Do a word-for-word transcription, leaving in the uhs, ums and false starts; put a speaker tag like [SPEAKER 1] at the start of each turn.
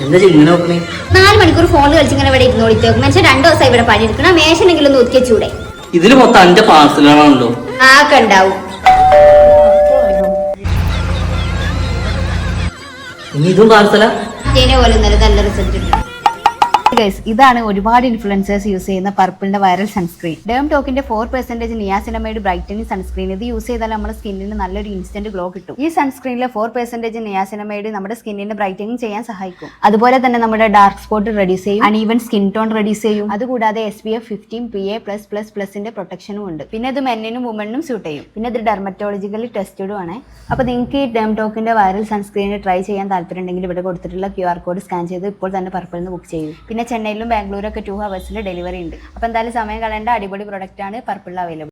[SPEAKER 1] നാല് മണിക്കൂർ ഫോണിൽ കളിച്ച് ഇങ്ങനെ ഇവിടെ ഇരുന്നോളിട്ട് മനുഷ്യൻ രണ്ടു ദിവസം ഇവിടെ പണിയെടുക്കണം മേശനെങ്കിലും ഒന്ന് ഒതുക്കിച്ചൂടെ?
[SPEAKER 2] ഇതില് മൊത്തം അഞ്ച് പാർസലാണല്ലോ.
[SPEAKER 1] ആക്കെ ഉണ്ടാവും.
[SPEAKER 2] ഇനി ഇതും പാർസലാ?
[SPEAKER 1] പോലെ നല്ല റിസൾട്ട് ഉണ്ട്.
[SPEAKER 3] ഇതാണ് ഒരുപാട് ഇൻഫ്ലുവൻസേഴ്സ് യൂസ് ചെയ്യുന്ന പർപ്പിളിന്റെ വൈറൽ സൺസ്ക്രീൻ. ഡേം ടോക്കിന്റെ four percentage niacinamide brightening sunscreen. ഇത് യൂസ് ചെയ്താൽ നമ്മുടെ സ്കിന്നിന് നല്ലൊരു ഇൻസ്റ്റന്റ് ഗ്ലോ കിട്ടും. ഈ സൺസ്ക്രീനിലെ ഫോർ പെർസെന്റേജ് നിയാസിനമൈഡ് നമ്മുടെ സ്കിന്നിനെ ബ്രൈറ്റനിങ് ചെയ്യാൻ സഹായിക്കും. അതുപോലെ തന്നെ നമ്മുടെ ഡാർക്ക് സ്പോട്ട് റെഡ്യൂസ് ചെയ്യും, അൺഈവൻ സ്കിൻ ടോൺ റെഡ്യൂസ് ചെയ്യും. അതുകൂടാതെ S P F fifteen P A plus plus പ്ലസിന്റെ പ്രൊട്ടക്ഷനും ഉണ്ട്. പിന്നെ ഇത് മെന്നിനും വുമണിനും സ്യൂട്ട് ചെയ്യും. പിന്നെ ഇത് ഡെർമറ്റോളജിക്കലി ടെസ്റ്റഡും ആണ്. അപ്പൊ നിങ്ങൾക്ക് ഈ ഡേം ടോക്കിന്റെ വൈറൽ സൺസ്ക്രീൻ ട്രൈ ചെയ്യാൻ താല്പര്യം ഉണ്ടെങ്കിൽ ഇവിടെ കൊടുത്തിട്ടുള്ള ക്യു ആർ കോഡ് സ്കാൻ ചെയ്ത് ഇപ്പോൾ തന്നെ പർപ്പിളിൽ നിന്ന് ബുക്ക് ചെയ്യും. പിന്നെ ചെന്നൈയിലും ബാംഗ്ലൂരൊക്കെ ടു ഹവേഴ്സിൽ ഡെലിവറി ഉണ്ട്. അപ്പോൾ എന്തായാലും സമയം കളയേണ്ട അടിപൊളി പ്രൊഡക്റ്റ് ആണ് പർപ്പിളിൽ അവൈലബിൾ.